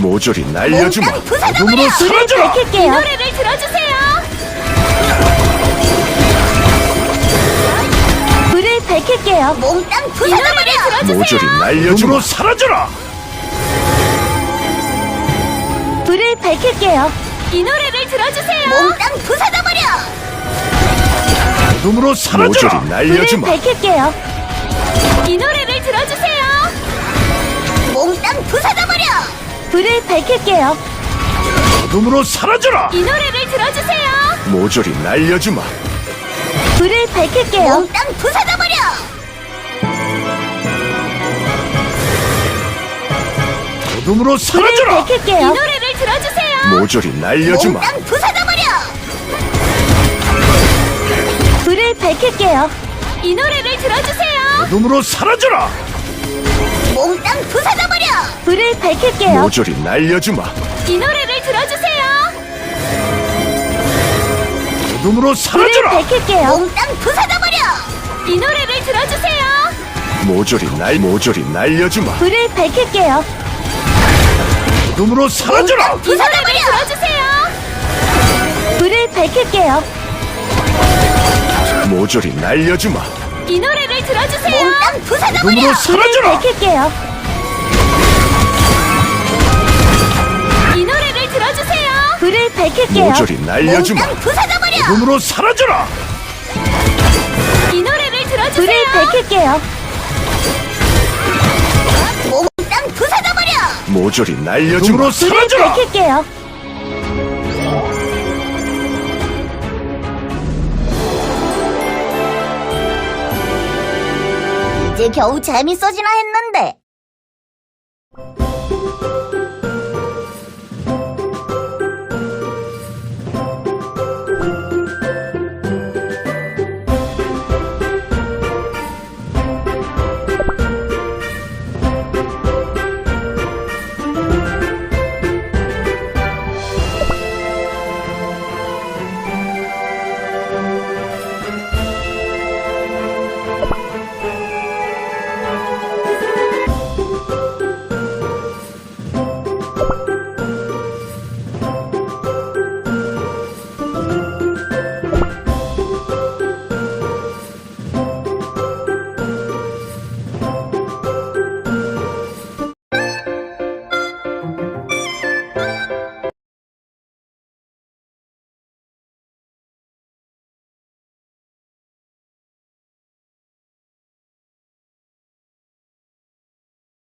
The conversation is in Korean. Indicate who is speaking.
Speaker 1: 모조리 날려주마. 어둠으로
Speaker 2: 불을
Speaker 1: 사라져라.
Speaker 2: 밝힐게요.
Speaker 3: 이 노래를 들어주세요.
Speaker 2: 불을 밝힐게요.
Speaker 3: 몽땅 부숴버려.
Speaker 1: 모조리 날려주마. 어둠으로 사라져라.
Speaker 2: 불을 밝힐게요.
Speaker 3: 이 노래를 들어주세요. 몽땅 부숴버려.
Speaker 1: 어둠으로 사라져라. 모조리
Speaker 2: 불을
Speaker 1: 날려주마.
Speaker 2: 밝힐게요.
Speaker 3: 이 노래를 들어주세요. 몽땅 부숴버려.
Speaker 2: 불을 밝힐게요.
Speaker 1: 어둠으로 사라져라.
Speaker 3: 이 노래를 들어주세요.
Speaker 1: 모조리 날려주마.
Speaker 2: 불을 밝힐게요.
Speaker 3: 몽땅 부숴버려.
Speaker 1: 어둠으로
Speaker 2: 불을
Speaker 1: 사라져라.
Speaker 3: 이
Speaker 2: 밝힐게요.
Speaker 3: 노래를 들어주세요.
Speaker 1: 모조리 날려주마.
Speaker 3: 몽땅 부숴버려.
Speaker 2: 불을 밝힐게요.
Speaker 3: 이 노래를 들어주세요.
Speaker 1: 어둠으로 사라져라.
Speaker 3: 몽땅 부숴버려.
Speaker 2: 불을 밝힐게요.
Speaker 1: 모조리 날려주마.
Speaker 3: 이 노래를 들어주세요.
Speaker 1: 어둠으로
Speaker 2: 불을
Speaker 1: 사라져라.
Speaker 2: 밝힐게요.
Speaker 3: 몽땅 부숴버려. 이 노래를 들어주세요.
Speaker 1: 모조리 날려주마.
Speaker 2: 불을 밝힐게요.
Speaker 1: 어둠으로 사라져라.
Speaker 3: 이 노래를 들어주세요.
Speaker 2: 불을 밝힐게요.
Speaker 1: 모조리 날려주마.
Speaker 3: 이 노래를 들어주세요. 몽땅
Speaker 1: 어둠으로
Speaker 3: 부숴버려.
Speaker 2: 불을
Speaker 1: 사라져라.
Speaker 2: 밝힐게요.
Speaker 3: 이 노래를 들어주세요.
Speaker 2: 불을 밝힐게요.
Speaker 1: 모조리 날려주마.
Speaker 3: 몽땅 부숴버려.
Speaker 1: 어둠으로 사라져라.
Speaker 3: 이 노래를
Speaker 2: 불을
Speaker 3: 들어주세요.
Speaker 2: 밝힐게요.
Speaker 3: 몽땅 부숴버려.
Speaker 1: 모조리 날려주마. 어둠으로
Speaker 2: 불을
Speaker 1: 사라져라.
Speaker 2: 밝힐게요.
Speaker 3: 이제 겨우 재밌어지나 했는데